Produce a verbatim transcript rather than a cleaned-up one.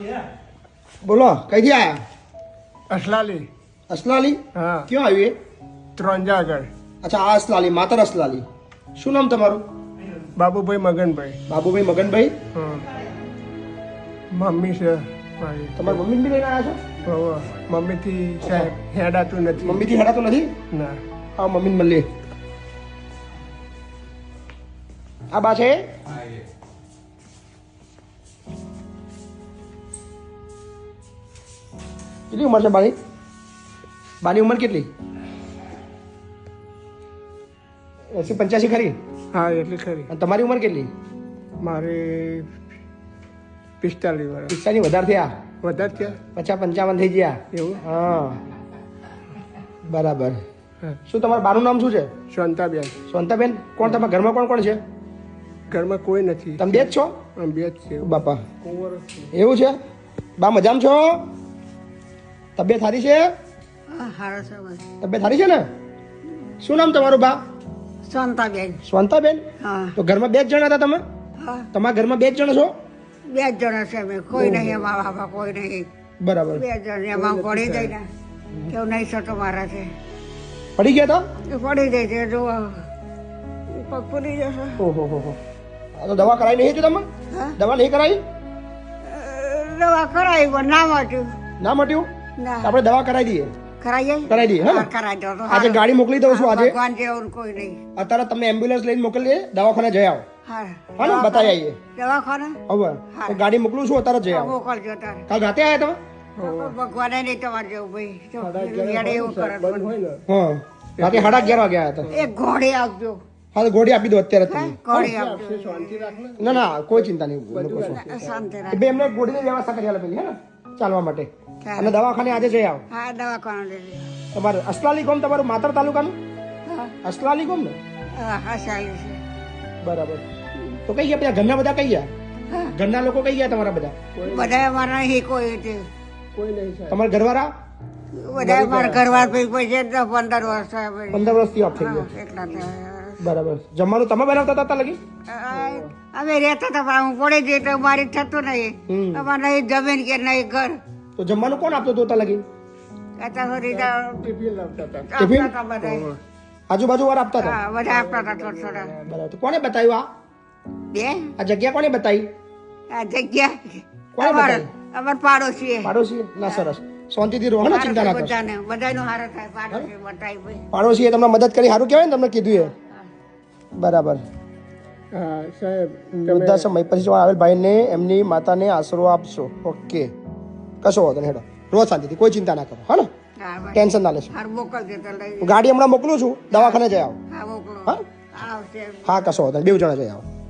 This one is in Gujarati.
બોલો કઈથી આયા? અસલાલી. અસલાલી? હા. ક્યાં આવ્યું એ? ત્રંજા આગળ. અચ્છા આ અસલાલી, માતર અસલાલી. શું નામ તમારું? બાબુભાઈ મગનભાઈ. બાબુભાઈ મગનભાઈ. હા. મમ્મી છે મારી. તમારા મમ્મી બી લઈને આવ્યા છો? હોવે. મમ્મીથી સાહેબ હેડાતું નથી. મમ્મીથી હેડાતું નથી? ના. આ મમ્મીને મળીએ. આ બા છે? કેટલી ઉંમર છે બાની? બાની ઉંમર કેટલી? એસી પંચ્યાસી ખરી? હા એટલી ખરી. અને તમારી ઉંમર કેટલી? મારે પિસ્તાલીસ વર્ષ. પિસ્તાની વધારે થયા? વધારે છે. પચાસ પંચાવન થઈ ગયા? એવું? હા બરાબર. હા. શું તમારું બાનું નામ શું છે? શાંતાબેન. શાંતાબેન. કોણ તમારા ઘરમાં કોણ કોણ છે? ઘરમાં કોઈ નથી. તમે બે જ છો? આમ બે જ છે. બાપા કુંવર જ છે. એવું છે? બા મજામાં છો? તબિયત સારી છે? તબિયત સારી છે ને? શું નામ તમારું બા? શાંતાબેન. શાંતાબેન. હા તો ઘરમાં બે જ જણા હતા તમે? હા તમારા ઘરમાં બે જ જણ છો? બે જ જણા છે અમે, કોઈ નહીં એમાં બાપા, કોઈ નહીં. બરાબર. બે જણ એમાં પડી જાય ને કેવું નહીં થતો મારા છે પડી ગયા હતા? એ પડી જાય છે જો પગ ફૂલી જશે. ઓહો હો હો. આ તો દવા કરાવી નહીં હતી તમે? હા દવા નહીં કરાવી? અ, દવા કરાવી પણ ના મટ્યું. ના મટ્યું? ના આપણે દવા કરાવી દઈએ. કરાઈ જાય? કરાવી દઈએ હે ને? હા, કરાઈ દો તો આજે સારું. ગાડી મોકલી દઉં છું આજે. ભગવાન જેવું કોઈ નહીં. અત્યારે તમે એમ્બ્યુલન્સ લઈને મોકલીએ, દવાખાને જઈ આવો. હા હા ને બતાવી આવીએ. દવાખાને હવે તો ગાડી મોકલું છું, અત્યારે જઈ આવો. મોકલજો તારે. કાલ રાતે આવ્યા તમે? ભગવાને નહીં તમારે જેવું ભાઈ. જો, યાર એવું કરે તો. બંધ હોય ને. હા રાતે સાડા અગિયાર વાગે આવ્યા હતા. એક ઘોડી આપજો. હા તો ગોળી આપી દો અત્યારે જ હે? તમે. ઘોડી આપજો. શાંતિ રાખ ને. ના ના કોઈ ચિંતા નહીં. લોકો શું. શાંતિ એ રાખ. બે એમને ગોળીની વ્યવસ્થા કરી આલો પેલી હે ને ચાલવા માટે. ચાલો. અને દવાખાને આજે જઈ આવો. હા દવાખાને લઈ લે. તમારે અસલાલી ગામ તમારું માતર તાલુકાનું? હા અસલાલી ગામ ને? હા હા ચાલે છે. બરાબર. તો કઈ ગયા બધા ઘરના બધા કઈ ગયા? હા. ઘરના લોકો કઈ ગયા તમારા બધા? બધા અમારા અહીં કોઈ છે. કોઈ નહીં સાહેબ. તમારા ઘરવાળા? બધા અમારા ઘરવાર પછી પછી દસ પંદર વર્ષ થયા પછી. પંદર વર્ષથી ઓફ થઈ હા, ગયા. એટલા થયા. બરાબર. જમવાનું તમે બનાવતા હતા અત્યાર લગી? આ, અમે રહેતા હતા પણ હું પડી જઈ તો મારી થતું નહીં. હમ. અમારે નહીં જમીન કે નહીં ઘર. તો જમવાનું કોણ આપતું હતું અત્યાર લગી? અત્યાર સુધી તો ટિફિન લાવતા હતા. ટિફિન? આપતા હતા બધા. આજુબાજુ વાળા આપતા હતા? હા બધા આપતા હતા થોડા થોડા. બરાબર. તો કોને બતાવ્યું આ બે આ જગ્યા કોને બતાવી? આ જગ્યા કોને અમારા બતાવી? અમારા પાડોશી પાડોશી? ના સરસ. શાંતિથી રહો ને, ચિંતા ના કરો. બધાને બધાનો હારો થાય પાડોશી બતાવી ભાઈ. પાડોશીએ તમને મદદ કરી, સારું કહેવાય ને તમને કીધું એ. બરાબર. હા સાહેબ તમે વૃદ્ધાશ્રમ પછી જો આવેલ ભાઈને એમની માતાને આશરો આપશો. ઓકે કશો વાંધો નહીં, હેડો રોજ શાંતિથી, કોઈ ચિંતા ના કરો. હા ને હા ભાઈ. ટેન્શન ના લેશો. હાર મોકલજો તો લઈ. હું ગાડી હમણાં મોકલું છું, દવાખાને જઈ આવો. હા મોકલો. હા આવશે. હા કશો વાંધો નહીં, બેવ જણા જઈ આવો.